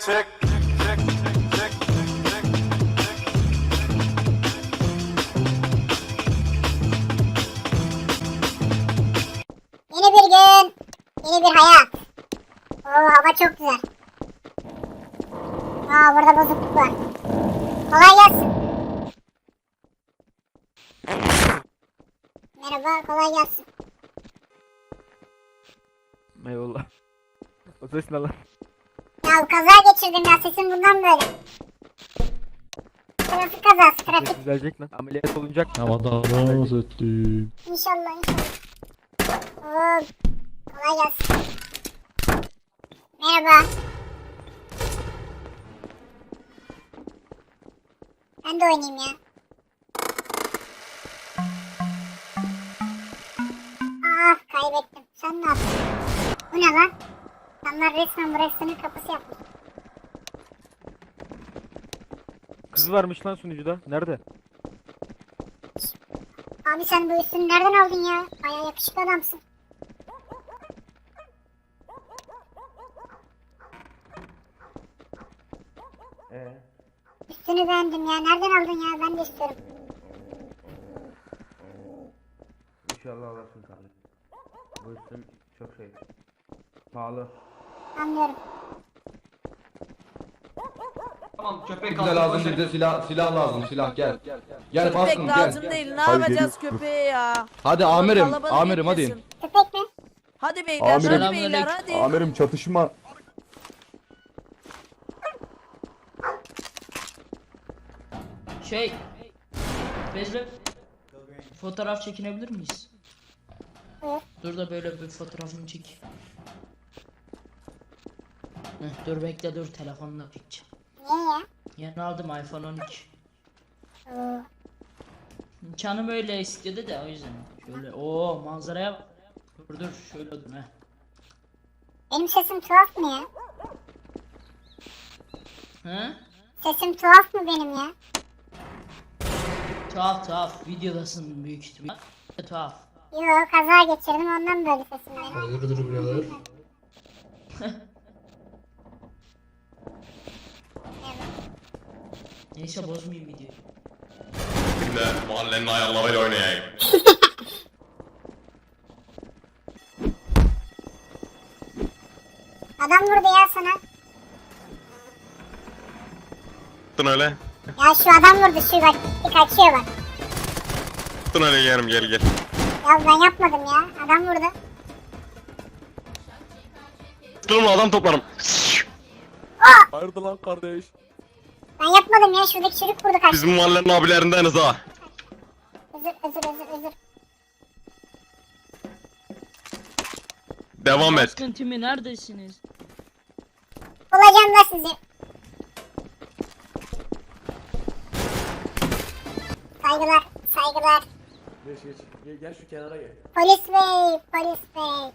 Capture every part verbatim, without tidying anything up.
check, check, check, check, check. Yeni bir gün, yeni bir hayat. Oo, hava çok güzel. Aa, burada bozukluk var. Kolay gelsin. Merhaba, kolay gelsin. Eyvallah. O ses ne lan? Ya kaza geçirdim ya, sesim bundan böyle. Trafik kazası, trafik. Düzelecek lan. Ameliyat olunacak. Havadan dans ettim. İnşallah, inşallah. Oo, kolay gelsin. Merhaba. Ben de oynayayım ya. Ah, kaybettim. Sen ne yaptın? Bu ne lan? Adamlar resmen bu restoranın kapısı yapmış. Kız varmış lan sunucuda. Nerede? Abi sen bu üstünü nereden aldın ya? Bayağı yakışıklı adamsın. Ee. Üstünü beğendim ya. Nereden aldın ya? Ben de istiyorum. İnşallah alırsın kardeşim. Bu üstüm çok şey. Pahalı. Anlıyorum. Tamam köpek Bize kaldı. lazım, bize silah silah lazım, silah gel. Gel baskın Köpek lazım gel. değil. Ne yapacağız köpeğe ya? Hadi amirim, Kalabalık amirim hadi. etmesin. Köpek mi? Hadi beyler, Amirim. hadi beyler, hadi. Amirim çatışma. Şey, Bezre, fotoğraf çekinebilir miyiz? Buyur. Dur da böyle bir fotoğrafını çek. Heh, dur bekle dur telefonla çekeceğim. Niye ya? Yeni aldım iPhone on iki. Oo. Canım öyle istedi de o yüzden. Şöyle o manzaraya bak. Dur dur şöyle dur heh. Benim sesim tuhaf mı ya? He? Sesim tuhaf mı benim ya? Tuhaf tuhaf videodasın büyük ihtimal. Tuhaf. Yo, kaza geçirdim ondan böyle sesim benim. Hayırdır birader? Neyse bozmayayım videoyu. Şimdi mahallenin ayarlarıyla oynayayım. Adam vurdu ya sana. Tın öyle. Ya şu adam vurdu, şu bak. Bir kaçıyor bak. Tın öyle yerim gel gel. Ya ben yapmadım ya. Adam vurdu. Tın adam toplarım. Hayırdır lan kardeş? Ben yapmadım ya. Şuradaki çocuk vurdu kaçtı. Bizim mahallenin abilerindeniz ha. Özür özür özür özür. Devam et. Baskın timi neredesiniz? Bulacağım da sizi. Saygılar, saygılar. Geç geç. Gel, gel şu kenara gel. Polis bey, polis bey.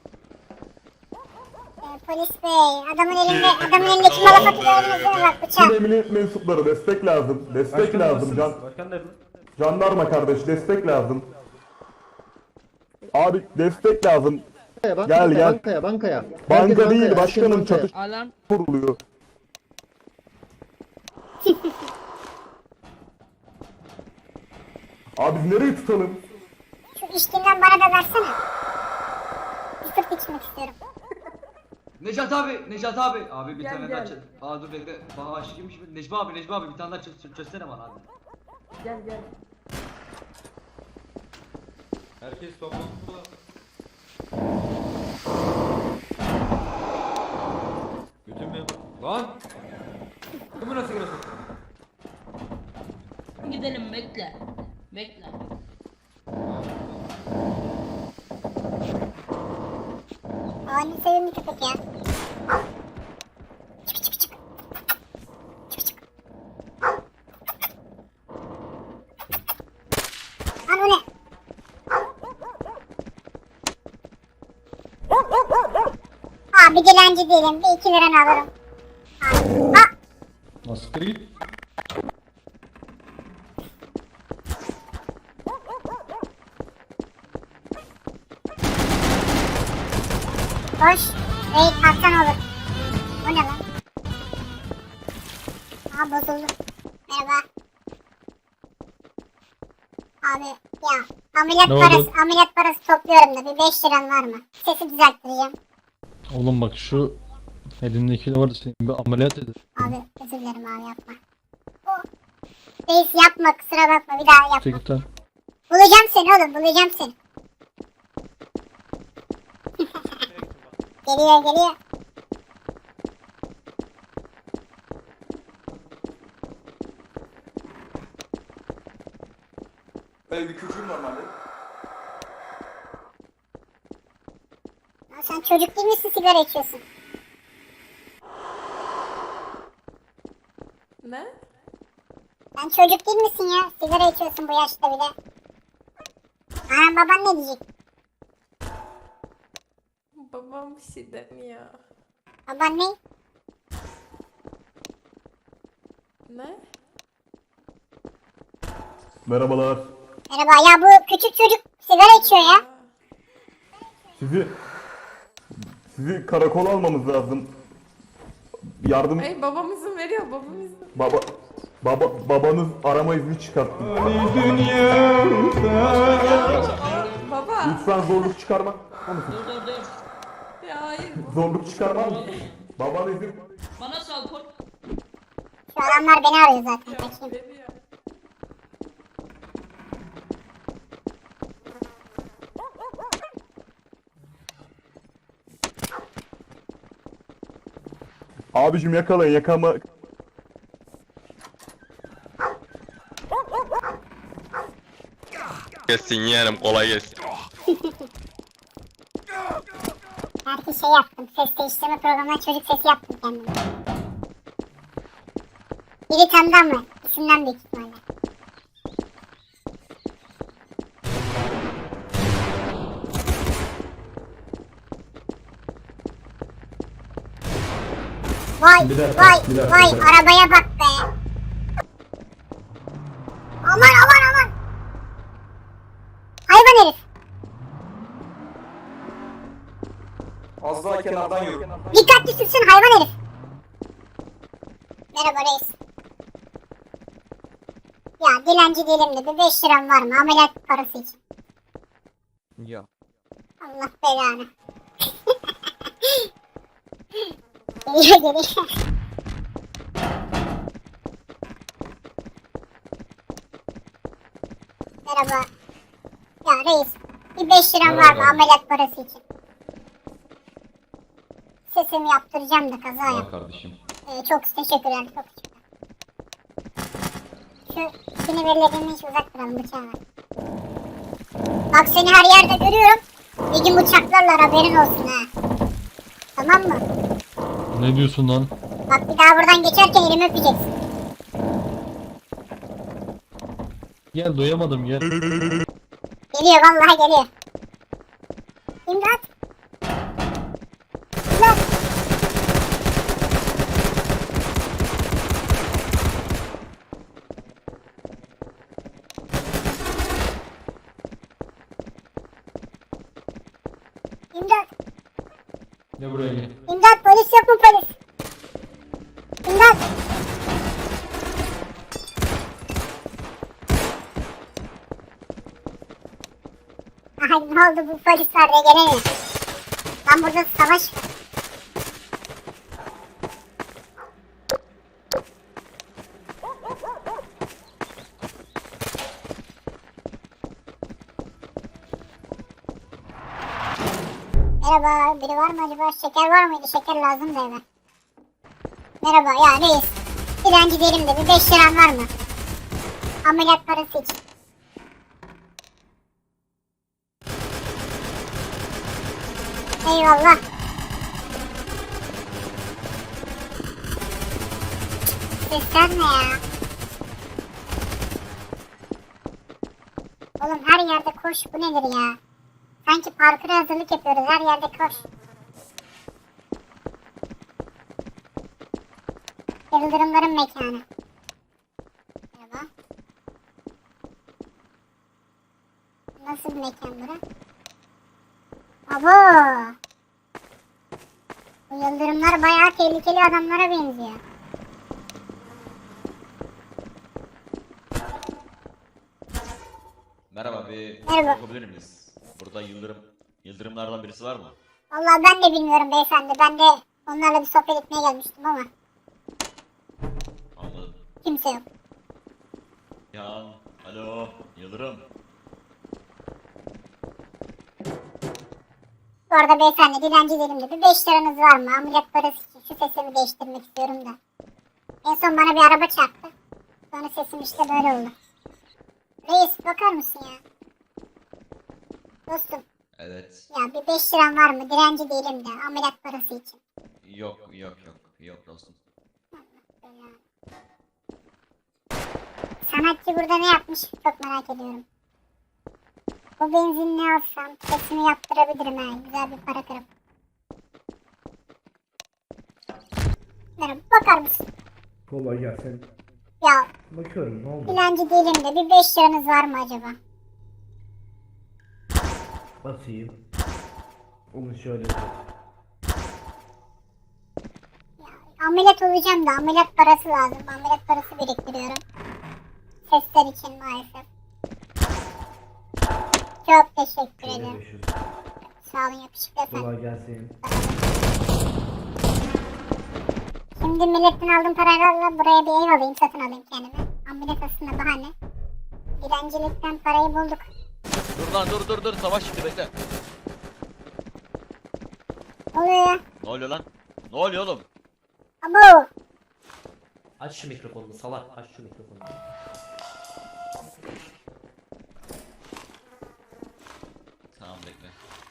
Ee, polis bey, adamın elinde, adamın elindeki malafatı gördünüz mü? Bak Tüm bıçak. emniyet mensupları destek lazım. Destek lazım. Can, Başkan nerede? jandarma kardeş destek lazım. Abi destek lazım. Gel gel. Bankaya, bankaya. Banka değil başkanım, çatışma Alarm. kuruluyor. Abi biz nereyi tutalım? Şu içtiğinden bana da versene. Bir sırt içmek istiyorum. Necat abi, Necat abi. Abi bir Gel, tane gel. daha çöz. Aa dur bekle. Bana aşık kimmiş mi? Necmi abi, Necmi abi bir tane daha çöz, çöz- çözsene bana abi. Gel gel. Herkes toplantıda. Bütün memur. Lan! Kimi nasıl girasın? Gidelim bekle. Bekle. Aa, ne sevimli köpek ya. Çık çık çık. Çık çık. Lan bu ne? Abi dilenci değilim. Bir iki liranı alırım. Abi. Aa, Nasıl git? Koş. Raid kalksan olur. Bu ne lan? Aa bozuldu. Merhaba. Abi ya ameliyat Ne parası oldu? ameliyat parası topluyorum da bir beş liran var mı? Sesi düzelttireceğim. Oğlum bak şu elindeki de vardı senin bir ameliyat edin. Abi özür dilerim abi yapma. Oh. Reis yapma kusura bakma bir daha yapma. Çekilten. Bulacağım seni oğlum bulacağım seni. Geliyor geliyor. Böyle bir küçüğüm normalde. Ya sen çocuk değil misin sigara içiyorsun? Ne? Sen çocuk değil misin ya? Sigara içiyorsun bu yaşta bile. Anan baban ne diyecek? Babam bir şey demiyor. Baban ne? Ne? Merhabalar. Merhaba ya bu küçük çocuk sigara içiyor ya. Sizi sizi karakola almamız lazım. Yardım Hey babam izin veriyor babam izin. baba baba babanız arama izni çıkarttı. Baba. Lütfen zorluk çıkarma. Dur dur dur. Ya hayır. Zorluk çıkarma. Baban izin. Bana sal kor. Şu adamlar beni arıyor zaten. Kaçayım. Veriyor. Abicim yakalayın yakama. Gelsin yeğenim kolay gelsin. Belki şey yaptım. Ses değiştirme programına çocuk sesi yaptım kendime. Biri tanıdı ama isimden büyük ihtimalle. Vay Bir dakika, vay bir dakika, vay bir dakika. arabaya bak be. Aman aman aman. Hayvan herif. Az daha kenardan yürü. Dikkatli sürsün hayvan herif. Merhaba reis. Ya dilenci değilim de bir beş liram var mı ameliyat parası için? Ya. Allah belanı. Geliyor geliyor. Merhaba. Ya reis bir beş liram var mı ameliyat parası için? Sesimi yaptıracağım da kaza yap. kardeşim. Ee, çok teşekkürler çok teşekkürler. Şu ikini verilediğini hiç uzak duralım bıçağı ver. Bak seni her yerde görüyorum. Bir gün bıçaklarlar haberin olsun ha. Tamam mı? Ne diyorsun lan? Bak bir daha buradan geçerken elimi öpeceksin. Gel doyamadım gel. Geliyor vallahi geliyor. İmdat. İmdat. İmdat. Gel buraya gel. İmdat polis yok mu polis? İmdat. Ay ne oldu bu polis var ya gelemiyor. Lan burada savaş. Merhaba, biri var mı acaba? Şeker var mıydı? Şeker lazım da eve. Merhaba, ya reis. Dilenci değilim de bir beş liram var mı? Ameliyat parası için. Eyvallah. Sesler ne ya? Oğlum her yerde koş, bu nedir ya? Sanki parkura hazırlık yapıyoruz, her yerde koş. Yıldırımların mekanı. Merhaba. Nasıl bir mekan bura? Abo! Bu yıldırımlar bayağı tehlikeli adamlara benziyor. Merhaba, bir Merhaba. yapabilir miyiz? Burada Yıldırım, Yıldırımlardan birisi var mı? Vallahi ben de bilmiyorum beyefendi. Ben de onlarla bir sohbet etmeye gelmiştim ama Anladım. kimse yok. Yan, alo, Yıldırım. Bu arada beyefendi dilenci değilim de bir beş liranız var mı? Ameliyat parası için şu sesimi değiştirmek istiyorum da. En son bana bir araba çarptı. Sonra sesim işte böyle oldu. Reis bakar mısın ya? Dostum Evet. ya bir beş liran var mı? Dilenci değilim de ameliyat parası için. Yok, yok, yok. Yok dostum. Sanatçı burada ne yapmış çok merak ediyorum. Bu benzinli alsam sesimi yaptırabilirim ha. Güzel bir para kırıp. Merhaba bakar mısın? Kolay gelsin. Ya Bakıyorum ne oldu? dilenci değilim de bir beş liranız var mı acaba? Basayım. Onu şöyle. Ameliyat olacağım da ameliyat parası lazım. Ameliyat parası biriktiriyorum. Sesler için maalesef. Çok teşekkür Şöyle ederim. beş yüz. Sağ olun yakışıklı efendim. Kolay gelsin. Şimdi milletten aldığım paralarla buraya bir ev alayım, satın alayım kendime. Ameliyat aslında bahane. Dilencilikten parayı bulduk. Dur lan, dur dur dur. Savaş şimdi, bekle. Ne oluyor ya? Ne oluyor lan? Ne oluyor oğlum? Abo! Aç şu mikrofonunu salak, aç şu mikrofonu. Tamam, bekle.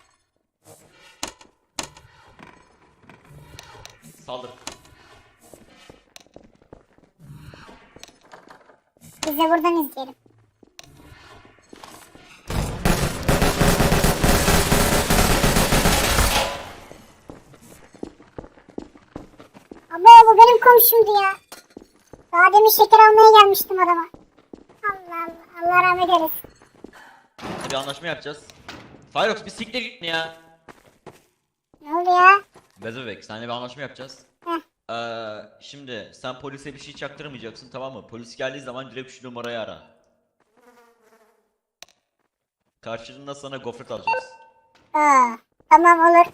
Saldır. Biz de buradan izleyelim. Abo bu benim komşumdu ya. Daha demin şeker almaya gelmiştim adama. Allah Allah, Allah rahmet eylesin. Bir anlaşma yapacağız. Firefox bir siktir git ya. Ne oldu ya? Bez bebek, seninle bir anlaşma yapacağız. Heh. Ee, şimdi sen polise bir şey çaktırmayacaksın, tamam mı? Polis geldiği zaman direkt şu numarayı ara. Karşılığında sana gofret alacağız. Aa, tamam olur.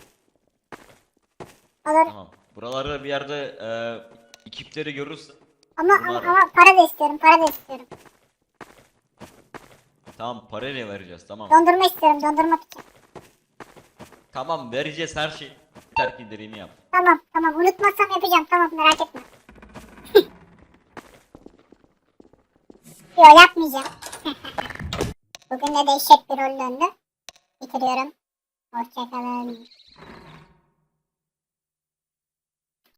Olur. Tamam. Buralarda bir yerde e, ekipleri görürsün. Ama, Bunu ama, ara. ama para da istiyorum, para da istiyorum. Tamam, parayla vereceğiz, tamam. Dondurma istiyorum, dondurmak için. Tamam, vereceğiz her şey. Terk indirimini yap. Tamam, tamam. Unutmazsam yapacağım. Tamam, merak etme. Yok, yapmayacağım. Bugün de dehşet bir rol döndü. Bitiriyorum. Hoşçakalın.